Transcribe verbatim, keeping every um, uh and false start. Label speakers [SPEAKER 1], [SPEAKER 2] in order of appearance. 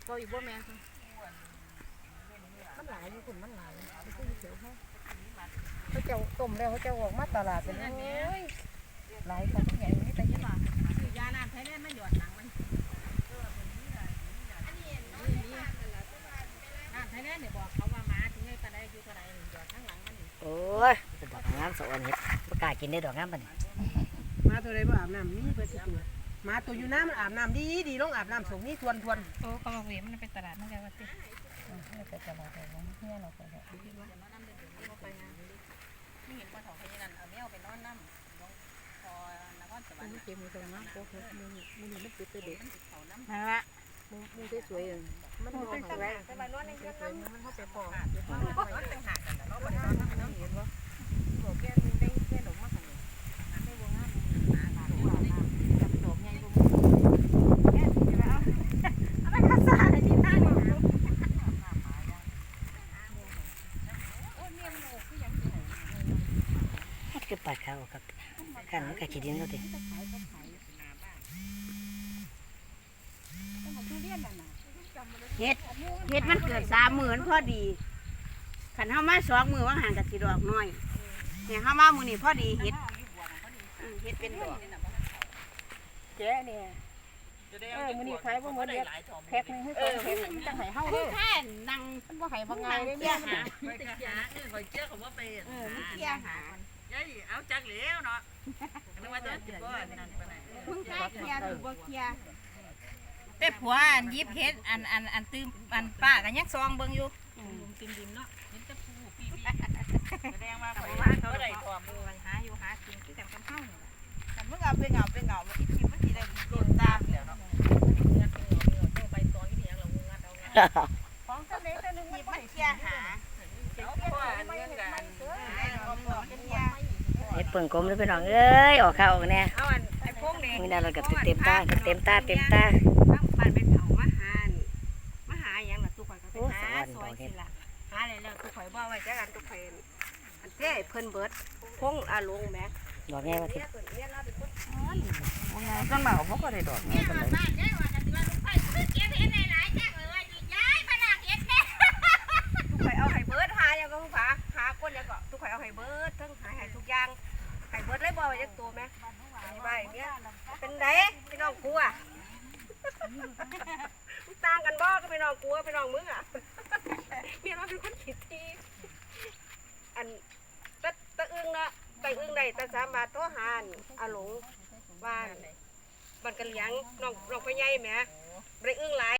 [SPEAKER 1] ก็อีกบ่แม่มันหลายอยู่คุณมันหลายไม่ใช่เฉยเขาเขาเจ้าต้มแล้วเขาเจ้าออกมาตลาดเป็นเลยหลายคนใหญ่นี่แต่ยังบ่ยาน้ำไทยแลนด์มันหยดหนังมันน้ำไทยแลนด์เนี่ยบอกเขาว่าหมาถึงไงตาได้อยู่ตาได้หยดทั้งหลังมัน
[SPEAKER 2] โอ้ยดอกงามสวนเห็ดประกาศกินได้ดอกงามปะนี่
[SPEAKER 3] มาตัวใดบ่อาบน้ำมีเปิดสิตัวมาตัวอยู่น้ำมันอาบน้ำดีดีลงอาบน้ำส่งนี่ทวนทวน
[SPEAKER 1] โอ้เขาบอกว่ามันเป็นตลาดนั่นแหละว่าติไม่เป็นตลาดแต่ของเฮียเราไปแล้วไม่เห็นปลาทองที่นั่นเอาแมวไปนอนน้ำลงพอนครสวรรค์เก็บมือตรงนั้นโอ้โหมือมือมันติดตัวเด็กนั่นละมือมือสวยๆมันเป็นสวยแต่มานอนในเรือนน้ำมันเข้าไปพอมันเป็นหากันแล้วเราไปนอนน้ำมันเห็นว่าบอกแกมึงได้แค่หลงมากขนาดไม่วงงานหาหาหาจับดอกใหญ่บุ้งแค่ที่แล้วอะไรภาษาอะไรที่นั่ง
[SPEAKER 2] คือปัดเขากับกันมันก็ขี้ดินเขาติ
[SPEAKER 4] เฮ็ดเฮ็ดมันเกิดสามหมื่นพอดีขันเฮามาสองมือว่างห่างกับสีดอกน้อยเนี่ยเฮามามือนี่พอดีเฮ็ดเฮ็ดเป็นดอก
[SPEAKER 1] แจ๊เนี่ยเออมื้อนี้ขายบ่หมดเด้แพ็คนึงให้สองแพ็คมันจะให้เฮาเด้อ
[SPEAKER 4] แค่นั่ง
[SPEAKER 1] บ่ให้บ่ง่ายเด้เนี่ยมัน
[SPEAKER 5] ไปหาเออคอยเจ้าเขาว่าไปเออ
[SPEAKER 4] เที่ยหา
[SPEAKER 5] ยัยเอาจักเหลวเนาะนึกว่าจะจิบก้อนนั่นไปไหน
[SPEAKER 4] มึงแค่เที่ยหรือบ่เที่ย
[SPEAKER 6] แต่ผัวอันยิบเฮ็ดอันอันอันตื้มอันป้ากันยังซองเบิ่งอยู่
[SPEAKER 5] ติมดิมเนาะเห็นแต่ผู้ปีปีแสดงว่า
[SPEAKER 6] เขา
[SPEAKER 5] เขา
[SPEAKER 6] ว่า
[SPEAKER 5] เขา
[SPEAKER 6] เขา
[SPEAKER 5] ได้
[SPEAKER 6] ได้
[SPEAKER 5] ทอม
[SPEAKER 6] มือหาอยู่หากินคือกันกับเฮานี่ล่ะ
[SPEAKER 4] แต่มึงเอาไปเหงาไปเหงาอีกทีมันสิได้โดนตามแล้วเนาะ
[SPEAKER 5] ไปตอนที่ยังเรางัดเอางัด
[SPEAKER 4] ของซะเล็กนึงมันเที่ยหา
[SPEAKER 5] เอาพ่ออันเรื่องกัน
[SPEAKER 2] เห็ดเปิ่งกลมเลยพี่น้องเอ้ยออกข้าวออกแน่
[SPEAKER 4] เอาอันไอ้พวกนี้
[SPEAKER 2] มีนาเราก็เต็มตาเต็มตาเต็มตา
[SPEAKER 4] ทั้งบ้านเป็นเผามาหานี่มาหาหยังล่ะตู้ข่อยก็ไปหาซอยสิล่ะหาแล้วตู้ข่อยบ่ไว้จักอันตู้ข่อยอันเจ้เพิ่นเบิดพงอาลงแม่
[SPEAKER 2] ดอกแง่มาที
[SPEAKER 3] ต้นหมากเขาก็ได้ดอกนี่เป็นไร
[SPEAKER 4] ทุกข่อยเอาไห้เบิร์ดหาอย่างก็ฝาหาก้นแล้วก็ทุกข่อยเอาไห้เบิร์ดทั้งหาไห้ทุกอย่างไห้เบิร์ดเลยบ่ไว้จักตัวแม่นี่บ้าอย่างเงี้ยเป็นไดพี่น้องกูอ่ะต่างกันบ่ก็พี่น้องกูพี่น้องมึงอ่ะเมียเราเป็นคนขี้ทีอันตะตะอึ้งนะไก่อึ้งได้ตะสามบาทโทหานอาหลงบ้านบ้านกะเหลียงน้องน้องไปใหญ่แหมบ่ได้อึ้งหลาย